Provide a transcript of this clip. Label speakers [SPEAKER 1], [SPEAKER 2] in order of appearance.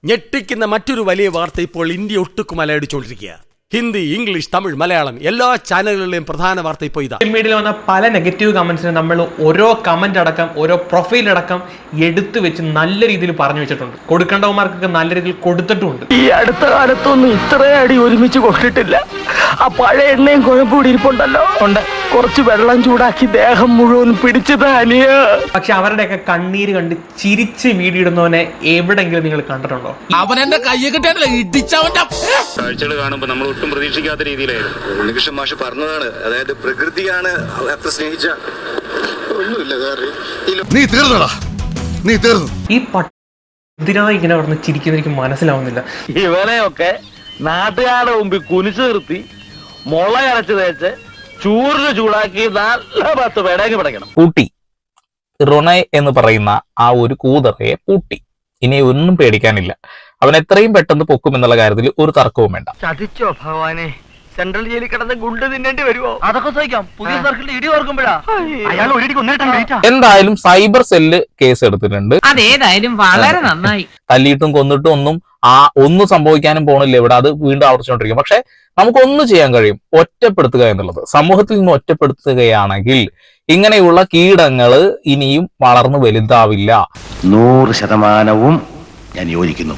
[SPEAKER 1] ഞെട്ടിക്കുന്ന മറ്റൊരു വലിയ വാർത്ത ഇപ്പോൾ ഇന്ത്യ ഒട്ടുക്കും അലയടിച്ചുകൊണ്ടിരിക്കുക. ഹിന്ദി, ഇംഗ്ലീഷ്, തമിഴ്, മലയാളം എല്ലാ ചാനലുകളിലെയും പ്രധാന വാർത്ത ഇപ്പോൾ ഇതാ.
[SPEAKER 2] സോഷ്യൽ മീഡിയയിൽ വന്ന പല നെഗറ്റീവ് കമന്റ്സിന് നമ്മൾ ഓരോ കമന്റ് അടക്കം ഓരോ പ്രൊഫൈൽ അടക്കം എടുത്തു വെച്ച് നല്ല രീതിയിൽ പറഞ്ഞു വെച്ചിട്ടുണ്ട്. കൊടുക്കേണ്ടവന്മാർക്കൊക്കെ നല്ല രീതിയിൽ കൊടുത്തിട്ടുമുണ്ട്.
[SPEAKER 3] ഈ അടുത്ത കാലത്തൊന്നും ഇത്രയും അടി ഒരുമിച്ച് കൊണ്ടിട്ടില്ല. ആ പഴയ എണ്ണയും കുഴപ്പൂടി ഇരിപ്പുണ്ടല്ലോ, കുറച്ച് വെള്ളം ചൂടാക്കി ദേഹം മുഴുവൻ പിടിച്ചത് അനിയ.
[SPEAKER 2] പക്ഷെ അവരുടെയൊക്കെ കണ്ണീര് കണ്ട് ചിരിച്ച് വീഡിയോ ഇടുന്നവനെ എവിടെങ്കിലും നിങ്ങൾ കണ്ടിട്ടുണ്ടോ?
[SPEAKER 4] അവനെന്റെ കയ്യെ കിട്ടിയാണല്ലോ ഇടിച്ചവന്റെ
[SPEAKER 5] കാഴ്ചകൾ കാണുമ്പോൾ നമ്മൾ ഒട്ടും പ്രതീക്ഷിക്കാത്ത രീതിയിലായിരുന്നു.
[SPEAKER 6] ഉണ്ണികൃഷ്ണൻ മാഷ് പറഞ്ഞതാണ്, അതായത് പ്രകൃതിയാണ് അത്ര സ്നേഹിച്ച ഒന്നുമില്ല.
[SPEAKER 7] നീ തീർന്നടാ, നീ തീർന്നു.
[SPEAKER 2] ഈ ഇതിനായി ഇങ്ങനെ പറഞ്ഞ് ചിരിക്കുന്ന എനിക്ക് മനസ്സിലാവുന്നില്ല.
[SPEAKER 3] ഇവനെയൊക്കെ നാട്ടുകാരുടെ മുമ്പിൽ കുനിച്ചു നിർത്തി മുള അരച്ച് തേച്ച് ചൂറിന് ചൂടാക്കി നല്ല 10 പേടേക്ക് പിടയ്ക്കണം.
[SPEAKER 8] പൂട്ടി റൊണെ എന്ന് പറയുന്ന ആ ഒരു കൂതറയെ പൂട്ടി. ഇനി ഒന്നും പേടിക്കാനില്ല. അവൻ എത്രയും പെട്ടെന്ന് പൊക്കും എന്നുള്ള കാര്യത്തിൽ ഒരു തർക്കവും വേണ്ട.
[SPEAKER 3] ചതിച്ചോ ഭഗവാനെ, സെൻട്രൽ ജയിലിൽ കിടന്ന് ഗുണ്ട് തിന്നേണ്ടി വരുമോ? അതൊക്കെ സഹിക്കാം. പുതിയ സർക്കിളിൽ ഇടി ഓർക്കുമ്പോഴാ അയാൾ ഒരിടിക്ക് ഒന്നിട്ടാ.
[SPEAKER 8] എന്തായാലും സൈബർ സെല്ല് കേസ് എടുത്തിട്ടുണ്ട്.
[SPEAKER 9] അതേതായാലും വളരെ നന്നായി.
[SPEAKER 8] തല്ലിയിട്ടും കൊന്നിട്ടും ഒന്നും സംഭവിക്കാനും പോണില്ല ഇവിടെ. അത് വീണ്ടും ആവർത്തിച്ചുകൊണ്ടിരിക്കും. പക്ഷെ നമുക്കൊന്നും ചെയ്യാൻ കഴിയും, ഒറ്റപ്പെടുത്തുക എന്നുള്ളത്. സമൂഹത്തിൽ നിന്ന് ഒറ്റപ്പെടുത്തുകയാണെങ്കിൽ ഇങ്ങനെയുള്ള കീടങ്ങള് ഇനിയും വളർന്നു വലുതാവില്ല.
[SPEAKER 6] 100% ഞാൻ യോജിക്കുന്നു.